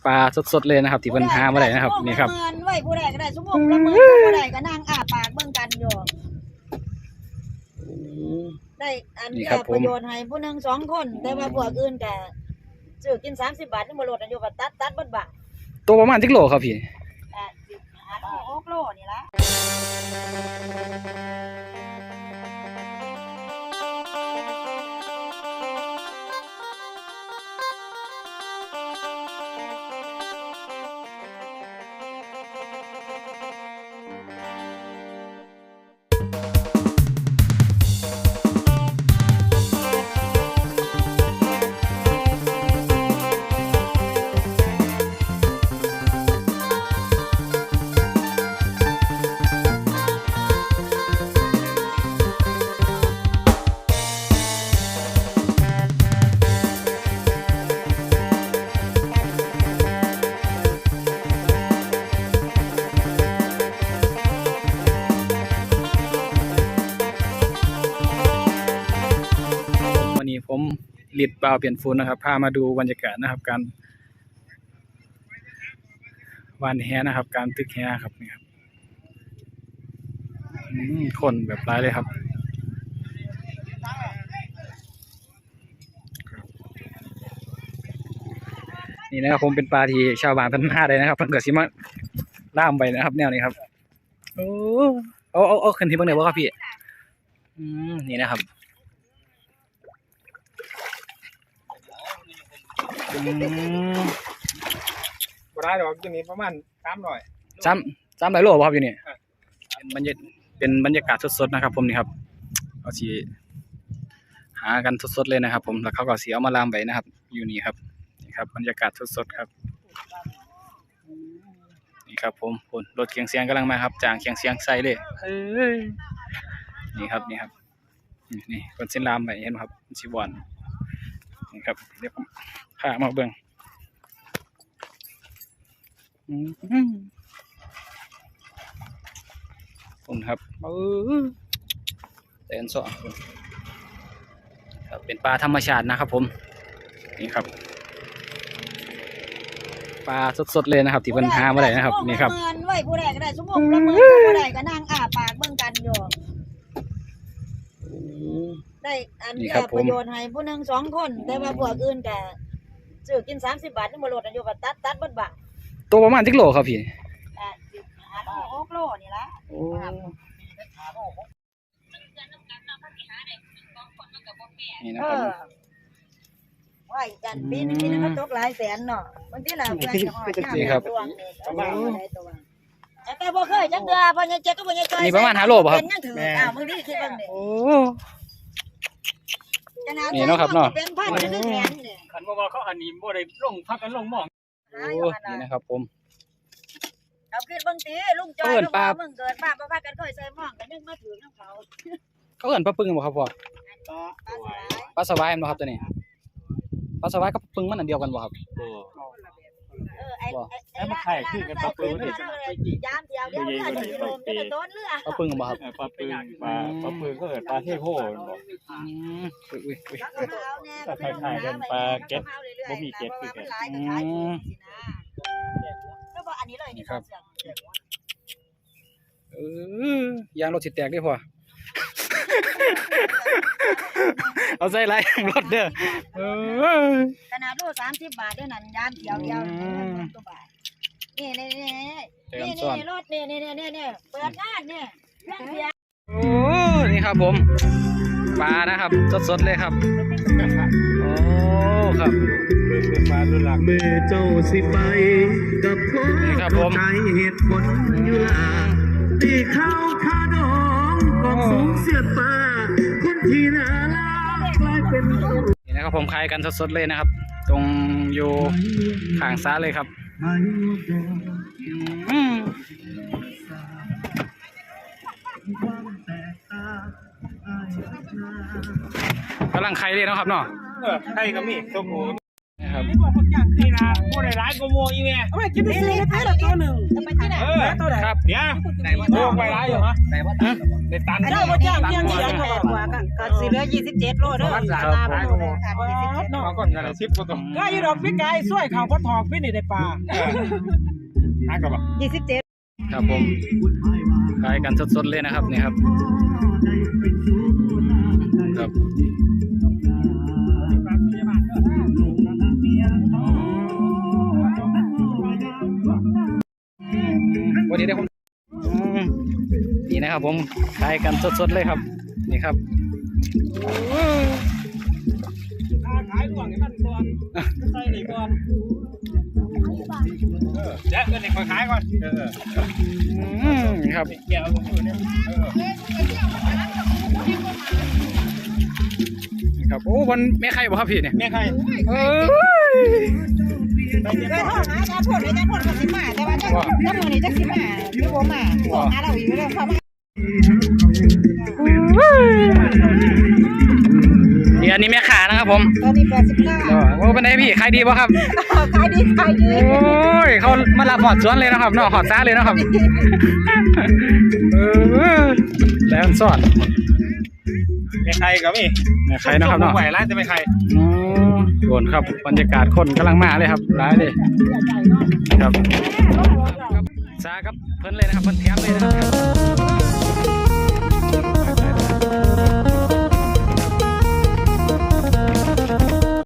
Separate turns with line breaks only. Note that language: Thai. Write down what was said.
ปลาสดๆเลยนะครับที่เพิ่นหามาได้นะครับนี่ครับ
ไว้ผู้ใดก็ได้สมมุติละเมินผู้ใดก็นั่งอ้าปากเบิ่งกันอยู่ได้อันนี้ประโยชน์ให้ผู้นึง2คนแต่ว่าพวกอื่นก็ซื้อกิน30 บาทนี่บ่ลดอายุก็ตัดเบิดบาท
ตัวประมาณ10 โลครับพี่
6 โลนี่ล่ะ
ผมลิดเปล่าเปลี่ยนฟูนนะครับพามาดูบรรยากาศนะครับการวานแหนะครับการตึกแหครับนี่ครับคนแบบร้ายเลยครับนี่นะครับผมเป็นปลาที่ชาวบ้านเพิ่นหาได้นะครับเพิ่นก็สิมาล่ามไปนะครับแนวนี้ครับโอ้เอาขึ้นที่เบิ่งได้บ่ครับพี่นี่นะครับ
บ่ได้ดอกอยู่นี่ประมาณ
300 โลบ่ครับอยู่นี่เป็นบรรยากาศสดๆนะครับผมนี่ครับเอาสิหากันสดๆเลยนะครับผมแล้วเขาก็สิเอามาลามไว้นะครับอยู่นี่ครับนี่ครับบรรยากาศสดๆครับนี่ครับผมรถเคียงเสียงกำลังมาครับจางเคียงเสียงใส่เลยนี่ครับนี่คนเส้นลามไปเห็นไหมครับสิบอนนี่ครับเดี๋ยวผมพามาเบิ่งคุณครับแต่อันสองครับเป็นปลาธรรมชาตินะครับผมนี่ครับปลาสดๆเลยนะครับที่เพิ่นหามาได้นะครับนี่ครับ
ไว้ผู้ใดก็ได้สมมุติละเมินผู้ใดก็นั่งอ้าปากเบิ่งกันอยู่ได้อันนี้ประโยชน์ให้ผู้นึง2คนแต่ว่าพวกอื่นก็ซื้อกิน30 บาทนี่บ่ลดอายุก็ตัดเบิดบาท
ตัวประมาณ10 โลครับพี่
6 โลนี่ล่ะ
นี่นะครับ
ไว้กันปีนึงก็ตกหลายแสนเนาะบางทีล่ะเพื่อนจะฮอด
นี่ครับ
แต่บ่เคยจังเดือพ่อใหญ่เจ๊ก็บ่ใหญ่จอย
นี่ประมาณ5 โลบ่ครับ
เป็นยังถือมึงนี่คิดเบิ่งดิ
นี่เนาะครับเนาะ
เป็นพันเป็นแสนนี่
คันว่าเขาอันนี้บ่ได้ลงพักกันลงหม้อง
นี่นะครับผม
เอาคิดเบิ่งติลุงจอยมึงเกิดมาบ่ว่ากันค่อยใส่หม้องกันยังมาถือนำเขา
เอิ้นปลาปึ้งบ่ครับพ่อปลาสวายบ่ครับตัวนี้ปลาสวายกับปึ้งมันอันเดียวกันบ่ครับ
ไอ้มาไข่ขึ้นกันปลาปืนนี่
ยามเดียวเรือสิลมจะต้นเรือ
ปลาปึ้งบ่ครับ
ปลาปืนก็เกิดปลาเทโพบ่ถ้าไข่กันปลาเก็ตบ่มีเก็ตคือกัน
ก็บ่อันนี้เลยนี่
ครับยางรถสิแตกได้พอเอาใส่ไรรถเด้อ
ขนาดโล30 บาทเด้อนั่นยามเดียวตัวบาทนี่รถนี่เปิดงานนี่
โอ้นี่ครับผมปลานะครับสดๆเลยครับโอ้ครับ
ปลารุ่นหลัก
เมื่อเจ้าสิไปกับพ่อใจเหตุผลอยู่ล่ะตีเข้าคาดองกองสูงเสียดฟ้าคนที่น่ารักกลายเป็น
นี่นะครับผมขายกันสดๆเลยนะครับตรงอยู่ข้างซ้ายเลยครับกำลังไข่เลยนะครับเนาะ
ไข่ก็มีตัวผู้
ครับ
นี่บอกคนจ้างนี่นะผู้ใดร้ายก็โมอีแม่
เอาไปกินไปซื้อให้เราตัวหนึ่งจะไปที่ไหน
ตัวไหนครับเดี๋ยวโลกไปร้ายอยู่ฮะในตัน
เราบ่จ้างเพียง200กว่าก็สิเหลือ27โลเด้อตาบ่โลเลยค่ะ27โล
มาก่อนกันเลย10กว่าตัว
ก็อยู่ดอกพี่ไก่ช่วยเขาพอทองพี่นี่ได้ปลา
หากับบ่
27
ครับผมขายกันสดๆเลยนะครับนี่ครับครับวันนี้ได้ผมนี่นะครับผมขายกันสดๆเลยครับนี่ครับ
ขายหลวงให้มันก่อนใส่นี่ก่อนเดี๋ยวเงินนี่ขายก่อน
นี่ครับ
เกี่ยวกับมือเนี่ย
นี่ครับโอ้วันแม่ไข่บ่ครับพี่เนี่ย
แม่ใคร
เอ้ย
เคยโทรหาอาจารย์พลอาจารย์พลก็สิมาแต่ว่าถ้ามื้อนี้จักสิมาหรือบ่มาโทรหาเราอีกเรื่องเขามา
นี่อันนี้แม่ขานะครับผม
ตอนนี้89
โอ้เป็นไงพี่ขายดีป่ะครับ
ขายดี
โอ้ยเขามารับหอดสวนเลยนะครับเนาะหอดซ่าเลยนะครับแล้วสอด
แม่ใครกับมี่
แม่ไข่นะครับเนาะ
ไหวร้านจะไม่ใคร
โดนครับบรรยากาศคนกำลังมาเลยครับร้ายเลยครับซาครับเพิ่นเลยนะครับเพิ่นเทียบเลยนะครับ